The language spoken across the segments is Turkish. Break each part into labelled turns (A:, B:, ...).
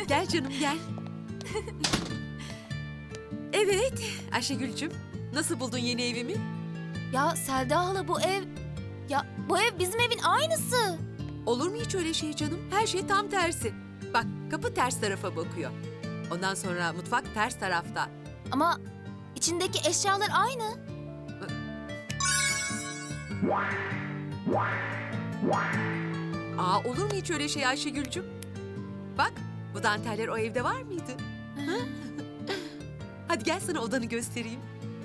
A: Gel canım gel. Evet Ayşegül'cüm, nasıl buldun yeni evimi?
B: Ya Selda hala bu ev... Ya bu ev bizim evin aynısı.
A: Olur mu hiç öyle şey canım? Her şey tam tersi. Bak, kapı ters tarafa bakıyor. Ondan sonra mutfak ters tarafta.
B: Ama içindeki eşyalar aynı.
A: Aa, olur mu hiç öyle şey Ayşegül'cüm? Bak, bu danteller o evde var mıydı? Ha? Hadi gel sana odanı göstereyim.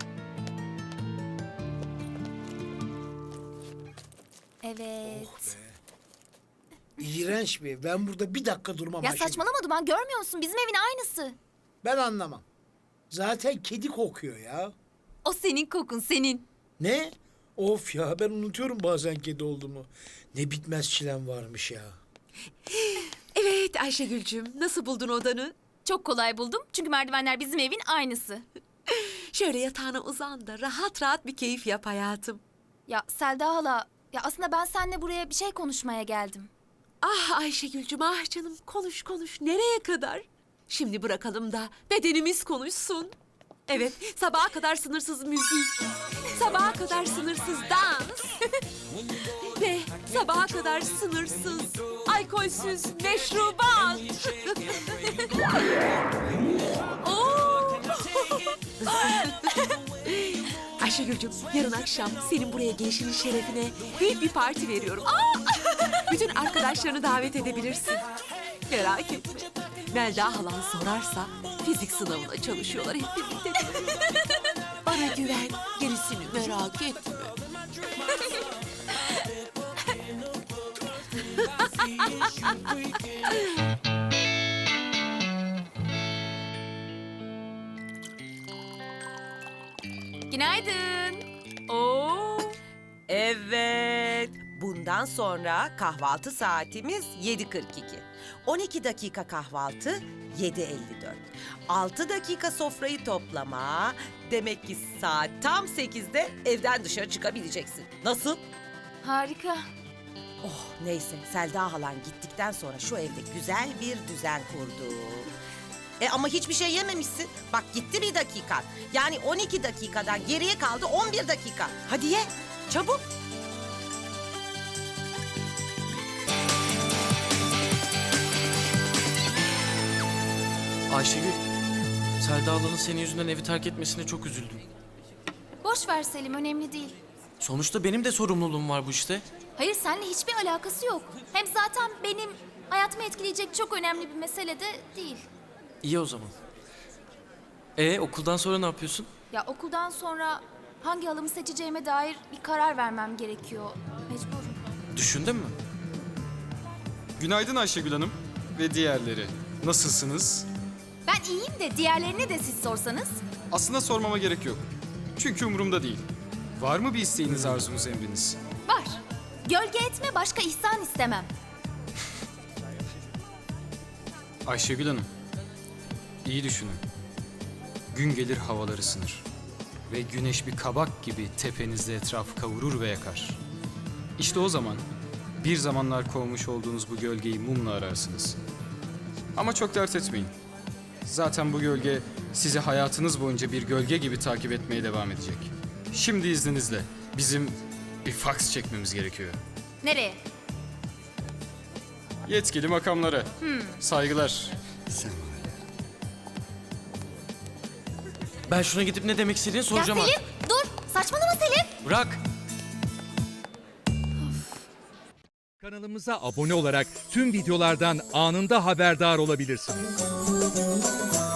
B: Evet.
C: İğrenç bir ev. Ben burada bir dakika durmam
B: Ya
C: Ayşegül.
B: saçmalama Duman, görmüyor musun? Bizim evin aynısı.
C: Ben anlamam. Zaten kedi kokuyor ya.
B: O senin kokun, senin.
C: Ne? Of ya, ben unutuyorum bazen kedi olduğumu. Ne bitmez çilem varmış ya.
A: Evet Ayşegül'cüm, nasıl buldun odanı?
B: Çok kolay buldum çünkü merdivenler bizim evin aynısı.
A: Şöyle yatağına uzan da rahat rahat bir keyif yap hayatım.
B: Ya Selda hala, ya aslında ben seninle buraya bir şey konuşmaya geldim.
A: Ah Ayşegül'cüm, ah canım, konuş konuş. Nereye kadar? Şimdi bırakalım da bedenimiz konuşsun. Evet, sabaha kadar sınırsız müzik, sabaha kadar sınırsız dans ve sabaha kadar sınırsız, alkolsüz meşrubat. Oo! Ayşegül'cüm, yarın akşam senin buraya gelişinin şerefine büyük bir parti veriyorum. Bütün arkadaşlarını davet edebilirsin. Merak etme. Melda halan sorarsa fizik sınavına çalışıyorlar hep birlikte. Bana güven, gerisini merak etme.
B: Günaydın.
A: Oo.
D: Evet. Bundan sonra kahvaltı saatimiz 7.42. 12 dakika kahvaltı 7.54. 6 dakika sofrayı toplama. Demek ki saat tam 8'de evden dışarı çıkabileceksin. Nasıl?
B: Harika.
D: Oh neyse, Selda halan gittikten sonra şu evde güzel bir düzen kurdu. Ama hiçbir şey yememişsin. Bak gitti bir dakikan. Yani 12 dakikadan geriye kaldı 11 dakika. Hadi ye, çabuk.
E: Ayşegül, Selda ablanın senin yüzünden evi terk etmesine çok üzüldüm.
B: Boş ver Selim, önemli değil.
E: Sonuçta benim de sorumluluğum var bu işte.
B: Hayır, seninle hiçbir alakası yok. Hem zaten benim hayatımı etkileyecek çok önemli bir mesele de değil.
E: İyi o zaman. Okuldan sonra ne yapıyorsun?
B: Ya okuldan sonra hangi halımı seçeceğime dair bir karar vermem gerekiyor. Mecburum.
E: Düşündün mü?
F: Günaydın Ayşegül Hanım ve diğerleri. Nasılsınız?
B: Ben iyiyim de diğerlerine de siz sorsanız.
F: Aslında sormama gerek yok. Çünkü umurumda değil. Var mı bir isteğiniz, arzunuz, emriniz?
B: Var. Gölge etme, başka ihsan istemem.
F: Ayşegül Hanım, iyi düşünün. Gün gelir havalar ısınır. Ve güneş bir kabak gibi tepenizde etrafı kavurur ve yakar. İşte o zaman bir zamanlar kovmuş olduğunuz bu gölgeyi mumla ararsınız. Ama çok dert etmeyin. Zaten bu gölge sizi hayatınız boyunca bir gölge gibi takip etmeye devam edecek. Şimdi izninizle bizim bir faks çekmemiz gerekiyor.
B: Nereye?
F: Yetkili makamlara. Saygılar.
E: Ben şuna gidip ne demek istediğini soracağım
B: Ya Selim, dur! Saçmalama Selim!
E: Bırak!
G: Kanalımıza abone olarak tüm videolardan anında haberdar olabilirsiniz.